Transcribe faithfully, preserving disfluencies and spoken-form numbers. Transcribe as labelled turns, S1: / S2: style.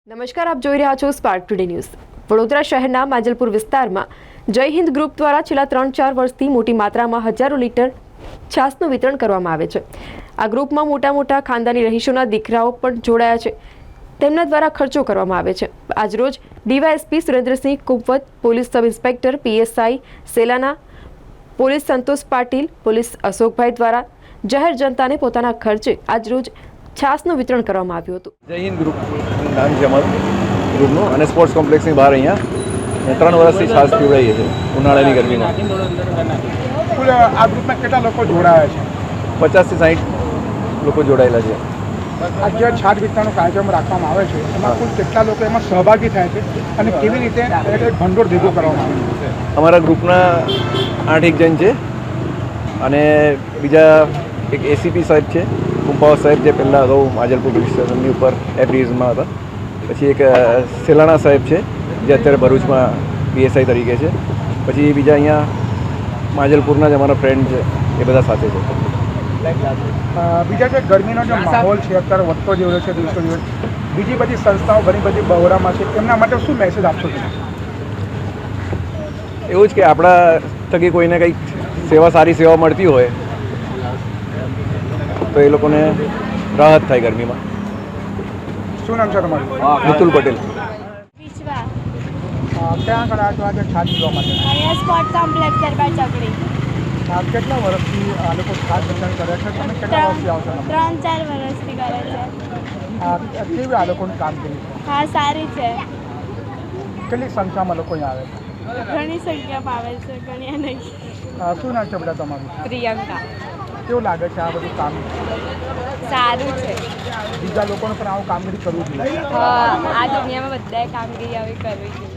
S1: નમસ્કાર, આપ જોઈ રહ્યા છો સ્પાર્ક ટુડે ન્યૂઝ। વડોદરા શહેરના માંજલપુર વિસ્તારમાં જય હિન્દ ગ્રુપ દ્વારા છેલ્લા ત્રણ ચાર વર્ષથી મોટી માત્રામાં હજારો લીટર છાશનું વિતરણ કરવામાં આવે છે। આ ગ્રુપમાં મોટા મોટા ખાનદાની રહીશોના દીકરાઓ પણ જોડાયા છે। તેમના દ્વારા ખર્ચો કરવામાં આવે છે। આજરોજ DYSP Surendrasinh Kunvat, police sub inspector PSI Selana, police Santosh Patil, police Ashokbhai દ્વારા જાહેર જનતાને પોતાના ખર્ચે આજરોજ છાશનું વિતરણ કરવામાં આવ્યું હતું।
S2: જય હિન્દ ગ્રુપ નામ છે અમારું ગ્રુપનું, અને સ્પોર્ટ્સ કોમ્પ્લેક્સની બહાર અહીંયા ત્રણ વર્ષથી છાશ પીવડાવીએ છીએ ઉનાળાની ગરમીમાં।
S3: કુલ આ ગ્રુપમાં કેટલા લોકો જોડાયા છે?
S2: પચાસથી સાઠ લોકો જોડાયેલા છે।
S3: આ જે છાશ વિતરણનો કાર્યક્રમ રાખવામાં આવે છે એમાં કુલ કેટલા લોકો એમાં સહભાગી થાય છે અને કેવી રીતે એક ભંડોળ ભેગું કરવામાં આવે છે?
S2: અમારા ગ્રુપના આઠ એક જણ છે, અને બીજા એક એસીપી સાહેબ છે, કુંપાવ સાહેબ, જે પહેલાં અગાઉ માજલપુર પોલીસ સ્ટેશનની ઉપર એપ્રિઝમાં હતા। પછી એક સેલાણા સાહેબ છે, જે અત્યારે ભરૂચમાં પીએસઆઈ તરીકે છે। પછી બીજા અહીંયા માજલપુરના જ અમારા ફ્રેન્ડ છે, એ બધા સાથે છે।
S3: બીજા જે ગરમીનો જે માહોલ છે અત્યારે વધતો જેવો છે દિવસો દિવસ, બીજી બધી સંસ્થાઓ ઘણી બધી બહોળામાં છે, એમના માટે શું મેસેજ આપશો તમે?
S2: એવું જ કે આપણા થકી કોઈને કંઈક સેવા, સારી સેવા મળતી હોય તો એ લોકોને રાહત થાય ગરમીમાં।
S3: શું નામ છે તમારું?
S2: મિતુલ પટેલ।
S4: વિશ્વા
S3: ક્યાં આગળ આ આજે છાશ પીવા માટે?
S4: અહીંયા સ્પોર્ટ કોમ્પ્લેક્સ દરબાર ચોકડી।
S3: આ કેટલા વર્ષથી આ લોકો છાશ વિતરણ કરે છે? તમે કેટલા વર્ષથી આવશો?
S4: ત્રણ ચાર વર્ષથી કરે છે।
S3: આ કેવી આ લોકોની કામગીરી છે?
S4: હા, સારી છે।
S3: કેટલી સંખ્યામાં લોકો અહીંયા આવે છે?
S4: ઘણી સંખ્યામાં આવે છે, ઘણી નહીં।
S3: આ શું નામ છે બેટા તમારું?
S4: પ્રિયંકા।
S3: કેવું લાગે છે આ બધું કામ?
S4: સારું છે।
S3: બીજા લોકોને પણ આવું કામગીરી કરવું જોઈએ।
S4: હા, આ દુનિયામાં બધાએ કામગીરી આવી કરવી જોઈએ।